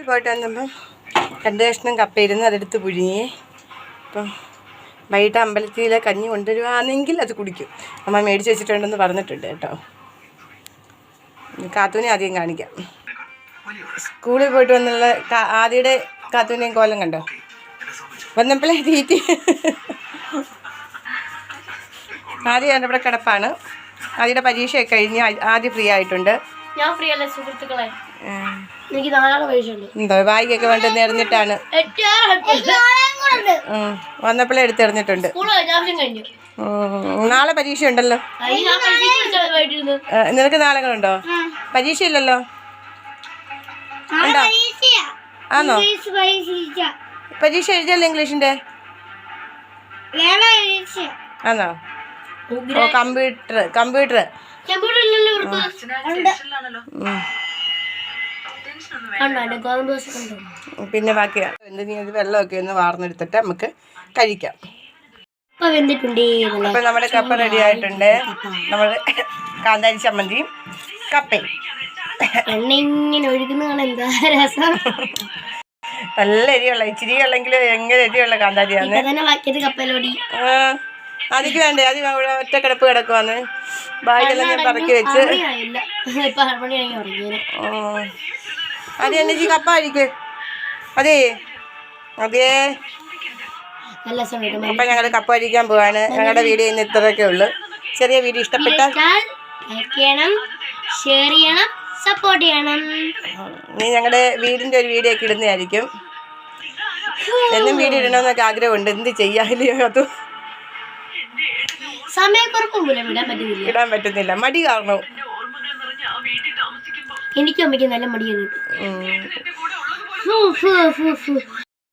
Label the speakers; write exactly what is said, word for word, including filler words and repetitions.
Speaker 1: പോയിട്ട് വന്നപ്പം രണ്ട് കഷ്ണം കപ്പയിരുന്ന് അതെടുത്ത് പുഴുങ്ങി. അപ്പം വൈകിട്ട് അമ്പലത്തിലെ കഞ്ഞി കൊണ്ടുവരുവാണെങ്കിൽ അത് കുടിക്കും. അമ്മ മേടിച്ച് വെച്ചിട്ടുണ്ടെന്ന് പറഞ്ഞിട്ടുണ്ട് കേട്ടോ. കാത്തൂനെ ആദ്യം കാണിക്കാം. സ്കൂളിൽ പോയിട്ട് വന്നുള്ള ആദ്യയുടെ കാത്തൂനെയും കോലം കണ്ടോ? വന്നപ്പോഴേ തീറ്റി. ആദ്യം എൻ്റെ ഇവിടെ കിടപ്പാണ്. ആദ്യയുടെ പരീക്ഷയൊക്കെ കഴിഞ്ഞ് ആദ്യം ഫ്രീ ആയിട്ടുണ്ട്.
Speaker 2: ഞാൻ ഫ്രീ അല്ല സുഹൃത്തുക്കളെ, എനിക്ക് നാളെ പരീക്ഷയുണ്ട്.
Speaker 1: എന്തോ ബാഗൊക്കെ വേണ്ടെന്ന് എറിഞ്ഞിട്ടാണ് വന്നപ്പോഴേ എടുത്തെറിഞ്ഞിട്ടുണ്ട്. നാളെ പരീക്ഷ ഉണ്ടല്ലോ. നിനക്ക് നാളെ ഉണ്ടോ? പരീക്ഷ ഇല്ലല്ലോ. ഉണ്ടോ? ആണോ? പരീക്ഷ എഴുതിയല്ലോ ഇംഗ്ലീഷിന്റെ. ആണോ? ഓ കമ്പ്യൂട്ടർ കമ്പ്യൂട്ടർ പിന്നെ ബാക്കിയാ എന്ത് വെള്ളമൊക്കെ ഒന്ന് വാർന്നെടുത്തിട്ട് നമുക്ക് കഴിക്കാം. അപ്പൊ നമ്മുടെ കപ്പ റെഡി ആയിട്ടുണ്ട്. നമ്മൾ കാന്താരി ചമ്മന്തിയും കപ്പയും. നല്ല എരിയുള്ള ഇച്ചിരി ഉള്ളെങ്കിൽ എങ്ങനെ എരിയുള്ള കാന്താരിയാണ്. അതിക്ക് വേണ്ടേ? അത് ഒറ്റ കിടപ്പ് കിടക്കുവാന്ന്. ബാഗെല്ലാം ഞാൻ പറക്കി വെച്ച് അത് എണ്ണി കപ്പ കഴിക്ക്. അതേ അതേ അപ്പം ഞങ്ങൾ കപ്പ കഴിക്കാൻ പോവാണ്. ഞങ്ങളുടെ വീഡിയോ ഇന്ന് ഇത്രയൊക്കെ ഉള്ളു. ചെറിയ വീഡിയോ ഇഷ്ടപ്പെട്ടാൽ
Speaker 2: ഷെയർ ചെയ്യണം, സപ്പോർട്ട് ചെയ്യണം.
Speaker 1: നീ ഞങ്ങളുടെ വീടിൻ്റെ ഒരു വീഡിയോ ഒക്കെ ഇടുന്നതായിരിക്കും. എന്നും വീഡിയോ ഇടണമെന്നൊക്കെ ആഗ്രഹമുണ്ട്. എന്ത് ചെയ്യാനില്ലയോ അത് ഇടാൻ പറ്റുന്നില്ല. മടി കാരണം.
Speaker 2: എനിക്കും അമ്മയ്ക്ക് നല്ല മടിയാണ്.